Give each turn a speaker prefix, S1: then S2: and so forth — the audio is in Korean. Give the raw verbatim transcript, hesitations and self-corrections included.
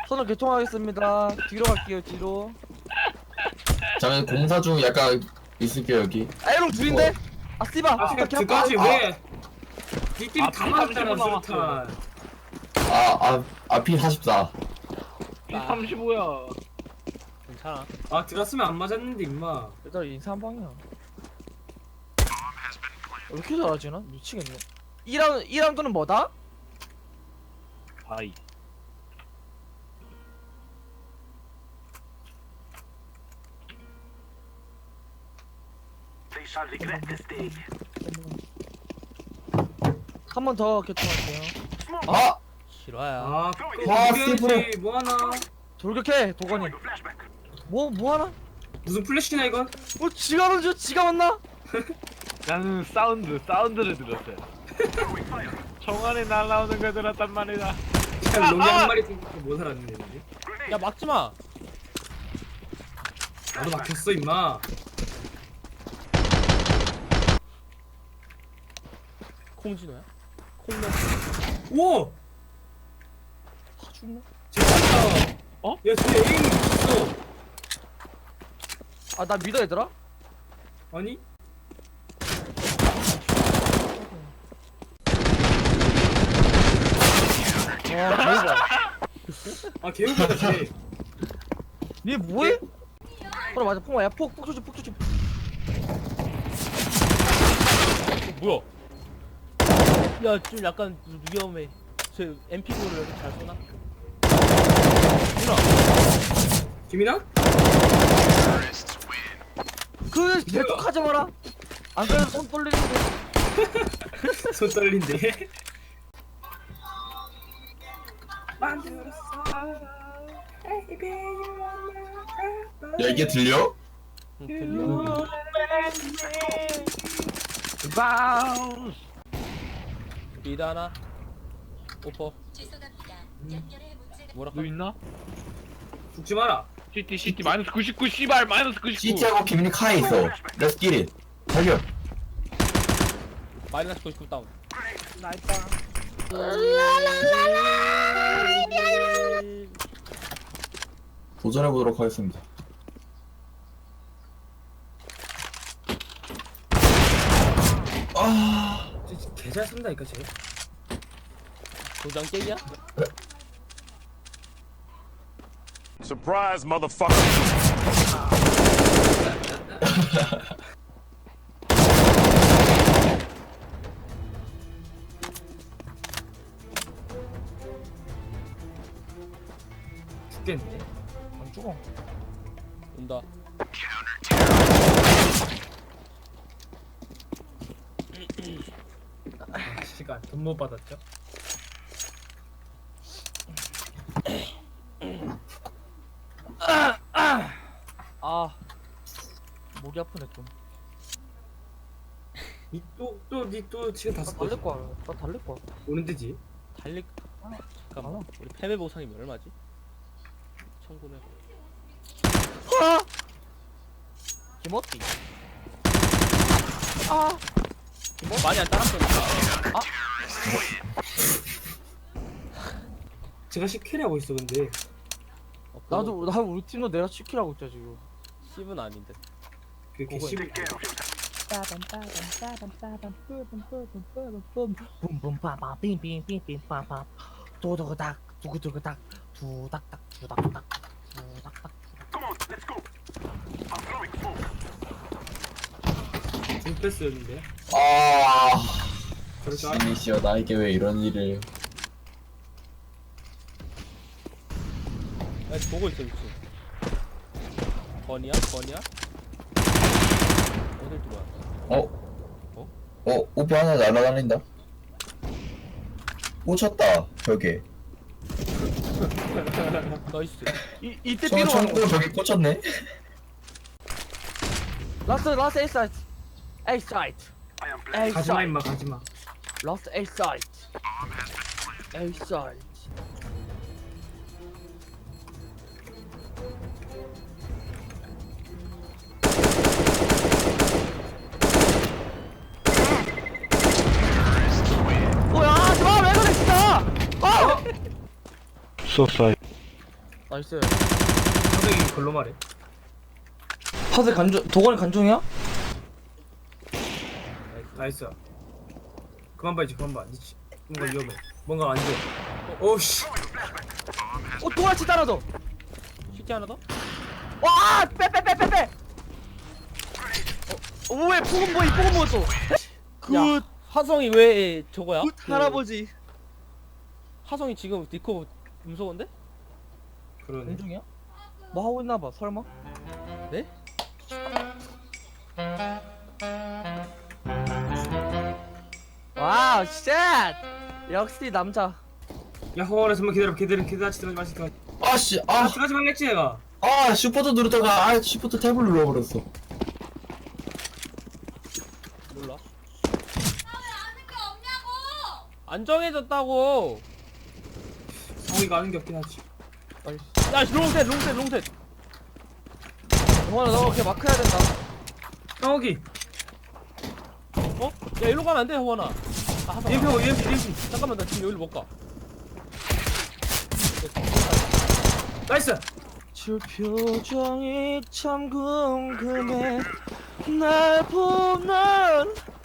S1: 선을 개통하겠습니다. 뒤로 갈게요. 뒤로.
S2: 저는 공사 중 약간 있을게요 여기.
S1: 에롱 둘인데? 아 씨바.
S3: 아,
S1: 아,
S3: 그까지 왜? 니들이
S4: 아,
S3: 다 맞았잖아,
S4: 삼십오
S3: 수류탄.
S2: 아아 앞이 사십사.
S4: 이 삼십오야. 괜찮아.
S3: 아, 들었으면 안 맞았는데, 임마.
S1: 얘들아 인사 한 방이야. 왜 이렇게 잘하지 나? 미치겠네. 이 라운드 이 라운드는 뭐다?
S4: 바이.
S1: 한 번 더 개통할게요.
S2: 아
S4: 실화야.
S3: 아,
S2: 와,
S3: 그거
S2: 스티브로.
S3: 뭐 하나?
S1: 돌격해 도건이. 뭐 뭐하나?
S3: 무슨 플래시나, 이건?
S1: 뭐 지가 먼저 지가 왔나?
S4: 나는 사운드, 사운드를 들었어요. 총 안에 날라오는 거 들었단 말이다.
S3: 그냥 롱이 한 마리 생각해 못 살았는데.
S4: 야 막지 마.
S3: 나도 막혔어, 임마.
S4: 콩진호야? 콩너.
S3: 우와!
S1: 다 죽나?
S3: 제발다.
S4: 어?
S3: 야, 쟤 에임 미쳤어.
S1: 아 나 믿어 얘들아?
S3: 아니?
S1: 와 대박.
S3: 아, 개웃기다, 쟤.
S1: 얘 뭐해? 그래 맞아 폭 맞아 폭폭 조심 폭 조심.
S4: 뭐야? 야, 좀 약간 위험해. 저 엠피구를 여기 잘 쏘나?
S3: 김이나?
S1: 그 대폭하지 마라. 안 그래도 손 떨리는데.
S3: 손 떨린데.
S2: 야 이게 들려?
S4: 응, 들려.
S1: 바운스.
S4: 리드 하나. 오퍼.
S5: 죄송합니다. 연결에 문제가
S4: 뭐라?
S6: 너 있나?
S3: 죽지 마라.
S6: 시티 시티 마이너스 구십구 씨발 마이너스 구십구.
S2: 시티하고 비밀이 카에 있어. Let's get it. 달려.
S4: 마이너스 구십구 다운.
S2: 도전해 보도록 하겠습니다. 아
S3: 개잘 쓴다니까, 쟤.
S4: 도장 깨기야?
S7: Surprise, motherfucker.
S3: 죽겠네.
S1: 안 죽어.
S4: 온다.
S3: 아, 시간 돈 못 받았죠?
S1: 아 목이 아프네 좀.
S3: 니또또니또 지금
S1: 나
S3: 다섯
S1: 달릴
S3: 번
S1: 거야. 나 달릴 거야.
S3: 오는 데지.
S4: 달리. 잠깐만. 우리 패배 보상이 얼마지? 천구백.
S1: 아! 김어띠. 아!
S4: 많이 안 따랐었는데.
S3: 제가 십 킬 하고 있어, 근데.
S4: 어,
S1: 나도 나 우리 팀도 내가 치킨하고 있자 지금.
S4: 십은 아닌데.
S3: 그게
S1: 그거
S3: 십.
S1: 뿜뿜빠밤 도도닥 두구두구닥 두닥닥 두닥닥 두닥닥
S3: 중패스였는데.
S2: 아.
S3: 그럴 줄 알아.
S2: 시니시여 나에게 왜 이런 일을.
S4: 야, 보고 있어, 미친. 건이야? 건이야? 어딜 들어와?
S2: 어?
S4: 어?
S2: 어? 오빠 하나 날아다닌다. 꽂혔다 벽에.
S4: 나이스.
S1: 이 이때
S2: 저
S1: 삐로 가는
S2: 청구
S1: 거.
S2: 벽에 꽂혔네.
S1: 라스트 라스트 A 사이트. A 사이트. A
S3: 가지마,
S1: 사이트.
S3: 임마, 가지마.
S1: 라스트 A 사이트. A 사이트. 뭐야? 아, 왜 그래 진짜? 아!
S6: 소사이.
S1: 나이스.
S3: 선생이 글로 말해.
S7: 파세 간중 도건이 간중이야?
S3: 나이스. 그만 봐 이제 그만 봐. 니치. 뭔가 위험해. 뭔가 안 돼. 오씨.
S1: 어 도라치 따라 더.
S4: 시티 하나 더?
S1: 와! 빼 빼 빼 빼 빼. 어, 왜 폭은 뭐이 폭은 뭐였어? 굿.
S4: 야 하성이 왜 저거야?
S1: 굿
S4: 그
S1: 할아버지.
S4: 하성이 지금 니코 무서운데?
S3: 그러네.
S1: 공중이야? 뭐 하고 있나 봐. 설마?
S4: 네?
S1: 와우 쉣. 역시 남자.
S3: 야 허원아 잠만 기다려. 기다려. 기다려. 들어가지 마시. 들어가지.
S2: 아씨
S3: 아
S2: 아,
S3: 들어가지 말랬지 내가.
S2: 아 슈퍼도 누르다가 아 슈퍼도 탭을 눌러버렸어.
S4: 몰라.
S5: 아는 게 없냐고!
S4: 안 정해졌다고.
S3: 성우이가 아는 게 없긴 하지.
S4: 야 롱셋 롱셋 롱셋.
S1: 동원아 너 그렇게 마크 해야 된다.
S3: 성욱이.
S4: 어? 야 일로 가면 안 돼 호원아. 아 하성아.
S3: 이엠피 오 이엠피 이엠피.
S4: 잠깐만 나 지금 여기로 못 가.
S3: 나이스.
S1: 저 표정이 참 궁금해. 날 보는